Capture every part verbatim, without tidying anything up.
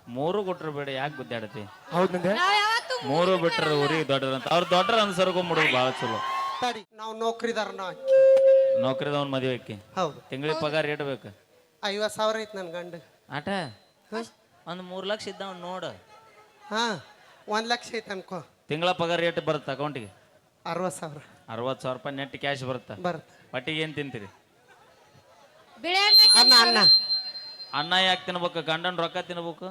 ಮೂರು ಕೊಟ್ರು ಬೇಡ ಯಾಕೆ ಗುದ್ದಾಡತಿ ಹೌದಂದೆ ನಾವ್ ಯಾವತ್ತೂ ಮೂರು ಬಿಟ್ರೆ ಊರಿಗೆ ದೊಡ್ಡದಂತ ಅವ್ರ ದೊಡ್ಡರ ಅನ್ಸರ್ಕೊಂಬಿಡೋದು ಭಾಳ ಚಲೋ ತಡಿ ನಾವು ನೌಕರಿದಾರನ ನೌಕರಿದವನ್ ಮದುವೆ ಆಕಿ ಹೌದು ತಿಂಗಳಿಗೆ ಪಗಾರ ರೇಟ್ ಬೇಕು ಐವತ್ತು ಸಾವಿರ ಐತಿ ನನ್ನ ಗಂಡ ಆಟ ಒಂದು ಮೂರು ಲಕ್ಷ ಇದ್ದಾವ್ ನೋಡು ಹಾ ಒಂದ್ ಲಕ್ಷ ಐತೆ ಅನ್ಕೋ ತಿಂಗಳ ಪಗಾರ ರೇಟ್ ಬರುತ್ತೆ ಅಕೌಂಟಿಗೆ ಅರವತ್ತು ಸಾವಿರ ಅರವತ್ತು ಸಾವಿರ ರೂಪಾಯಿ ನೆಟ್ ಕ್ಯಾಶ್ ಬರುತ್ತೆ ಬರುತ್ತೆ ಪಟ್ಟಿಗೆ ಏನು ತಿಂತೀರಿ ಬಿಳಿ ಅನ್ನ ಅನ್ನ ಅನ್ನ ಅನ್ನ ಯಾಕೆ ತಿನ್ಬೇಕು ಗಂಡನ ರೊಕ್ಕ ತಿನ್ಬೇಕು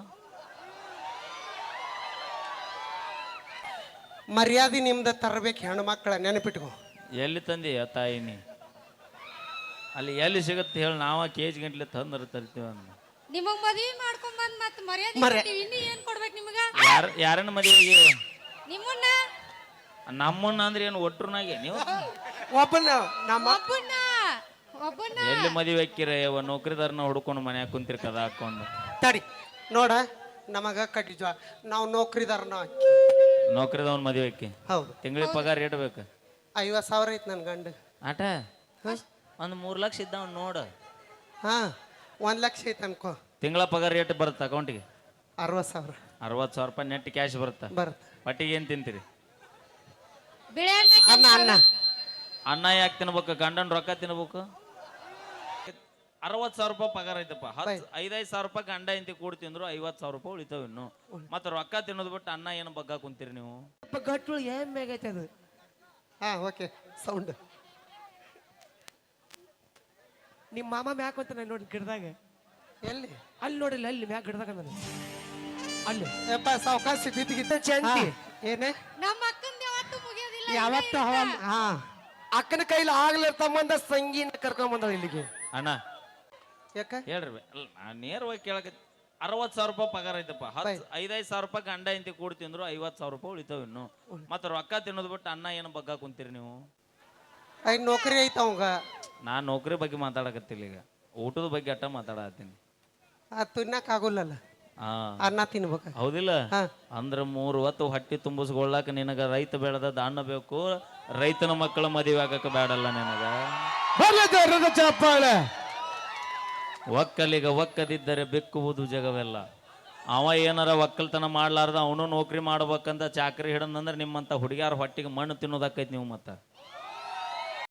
ಮರ್ಯಾದೆ ನಿಮ್ದ ತರಬೇಕು ಹೆಣ್ಣು ಮಕ್ಕಳ ನೆನಪಿಟ್ಕೋ ಎಲ್ಲಿ ತಂದಿ ತಾಯಿ ನೀ ಅಲ್ಲಿ ಎಲ್ಲಿ ಸಿಗುತ್ತೆ ಹೇಳಿ ನಾವ ಕೆ ಜಿ ಗಂಟ್ಲೆ ತಂದ್ರೆ ತರ್ತೀವಿ ಅಂದ ನಿಮಗ್ ಮದ್ವಿ ಮಾಡ್ಕೊಂಡ್ ಬಂದ್ ಮತ್ ಮರ್ಯಾದೆ ಮರ್ಯಾ- ಕೊಟ್ಟಿವಿ. ಇನ್ನು ಏನ್ ಕೊಡ್ಬೇಕು ನಿಮಗ ಯಾರ ಯಾರನ್ನ ಮದುವೆಗೆ ನಿಮ್ಮನ್ನ ನಮ್ಮನ್ನ ಅಂದ್ರೆ ಏನು ಒಟ್ರನಾಗೆ ನೀವು ಒಬ್ಬನ ನಮ್ಮ ಒಬ್ಬನ್ನ ಒಬ್ಬನ್ನ ಎಲ್ಲಿ ಮದುವೆ ಹಾಕಿರ ಯಾವ ನೌಕರಿದಾರನ ಹುಡ್ಕೊಂಡು ಮನ್ಯಾಗ ಕುಂತಿರ್ ಕದ ಹಾಕೊಂಡು ತಡಿ ನೋಡ ನಮಗ ಕಟ್ಟಿದ್ವ ನಾವು ನೌಕರಿದಾರನ ನೌಕರಿದವನ್ ಮದುವೆ ಹಾಕಿ ಹೌದು ತಿಂಗಳಿಗೆ ಪಗಾರ ರೇಟ್ ಬೇಕು ಐವತ್ತು ಸಾವಿರ ಐತಿ ನನ್ನ ಗಂಡ ಆಟ ಒಂದು ಮೂರು ಲಕ್ಷ ಇದ್ದಾವ್ ನೋಡು ಹಾ ಒಂದ್ ಲಕ್ಷ ಐತೆ ಅನ್ಕೋ ತಿಂಗಳ ಪಗಾರ ರೇಟ್ ಬರುತ್ತೆ ಅಕೌಂಟಿಗೆ ಅರವತ್ತು ಸಾವಿರ ಅರವತ್ತು ಸಾವಿರ ರೂಪಾಯಿ ನೆಟ್ ಕ್ಯಾಶ್ ಬರುತ್ತೆ ಬರುತ್ತೆ ಪಟ್ಟಿಗೆ ಏನು ತಿಂತೀರಿ ಬಿಳಿ ಅನ್ನ ಅನ್ನ ಅನ್ನ ಅನ್ನ ಯಾಕೆ ತಿನ್ಬೇಕು ಗಂಡನ ರೊಕ್ಕ ತಿನ್ಬೇಕು ಅರವತ್ತು ಸಾವಿರ ರೂಪಾಯಿ ಪಗಾರ ಐತಪ್ಪ ಹತ್ತು ಐದೈದು ಸಾವಿರ ರೂಪಾಯಿ ಗಂಡ ಇಂತಿ ಕೂಡ ತಿಂದ್ರು ಐವತ್ತು ಸಾವಿರ ರೂಪಾಯಿ ಉಳಿತಾವ ಇನ್ನು ಮತ್ತೆ ರೊಕ್ಕ ತಿನ್ನೋದು ಬಿಟ್ಟು ಅನ್ನ ಏನು ಬಗ್ಗ ಕುಂತೀರಿ ನೀವು ಗಟ್ಟು ಏನ್ ಬೇಕೈತೆ ಅದು ಹಾ ಓಕೆ ಸೌಂಡ್ ನಿಮ್ಮ ಮಾಮ ಮ್ಯಾಕ್ ಅಂತ ನಾನು ನೋಡಿ ಗಿಡದಾಗ ಎಲ್ಲಿ ಅಲ್ಲಿ ನೋಡಿಲ್ಲ ಅಲ್ಲಿ ಮ್ಯಾಕ್ ಗಿಡದಾಗ ನಾನು ಅಲ್ಲಿ ಯಪ್ಪ ಸಾವಕಾಶ ಬಿದ್ದಿಗಿದ್ದ ಚಂಟಿ ಏನೇ ನಮ್ಮ ಅಕ್ಕಂದ ಯಾವತ್ತೂ ಮುಗಿಯೋದಿಲ್ಲ ಯಾವತ್ತ ಹಾ ಅಕ್ಕನ ಕೈಲಿ ಆಗ್ಲಿರ್ ತಮ್ಮಂದ ಸಂಗೀನ ಕರ್ಕೊಂಡ್ ಬಂದಳ ಇಲ್ಲಿಗೆ ಅಣ್ಣ ಯಾಕ ಹೇಳ್ರಿ ಬೆ- ಅಲ್ಲ ನಾನು ನೇರವಾಗಿ ಕೇಳಕ ಅರವತ್ತು ಸಾವಿರ ರೂಪಾಯಿ ಪಗಾರ ಐತಪ್ಪ ಹತ್ತು ಐದೈದು ಸಾವಿರ ರೂಪಾಯಿ ಗಂಡ ಇಂತಿ ಕೂಡ ತಿಂದ್ರು ಐವತ್ತು ಸಾವಿರ ರೂಪಾಯಿ ಉಳಿತಾವ ಇನ್ನು ಮತ್ತೆ ರೊಕ್ಕ ತಿನ್ನೋದು ಬಿಟ್ಟು ಅನ್ನ ಏನು ಬಗ್ಗ ಕುಂತೀರಿ ನೀವು ಐದು ನೌಕರಿ ಐತ ಅವಂಗ ನಾನು ನೌಕರಿ ಬಗ್ಗೆ ಮಾತಾಡಕತ್ತಿಲ್ಲ ಈಗ ಊಟದ ಬಗ್ಗೆ ಅಟ್ಟ ಮಾತಾಡತ್ತೀನಿ ಅದು ತಿನ್ನಕ್ ಆಗೋಲ್ಲಲ್ಲ ಹಾ ಅನ್ನ ತಿನ್ಬೇಕ ಹೌದಿಲ್ಲ ಹಾ. ಅಂದ್ರ ಮೂರು ಹೊತ್ತು ಹೊಟ್ಟಿ ತುಂಬಿಸ್ಕೊಳ್ಳಾಕ ನಿನಗ ರೈತ ಬೆಳೆದ ದಾನ ಬೇಕು ರೈತನ ಮಕ್ಕಳ ಮದುವೆ ಆಗಕ ಬೇಡಲ್ಲ ನಿನಗ ಚಪ್ಪಾಳೆ ಒಕ್ಕಲಿಗ ಒಕ್ಕದಿದ್ದರೆ ಬೆಕ್ಕುವುದು ಜಗವೆಲ್ಲ ಅವ ಏನಾರ ಒಕ್ಕಲ್ತನ ಮಾಡ್ಲಾರ್ದ ಅವನು ನೌಕರಿ ಮಾಡ್ಬೇಕಂತ ಚಾಕರಿ ಹಿಡಂದ್ರೆ ನಿಮ್ಮಂತ ಹುಡುಗಿಯಾರ ಹೊಟ್ಟಿಗೆ ಮಣ್ಣು ತಿನ್ನೋದಾಕೈತಿ ನೀವು ಮತ್ತ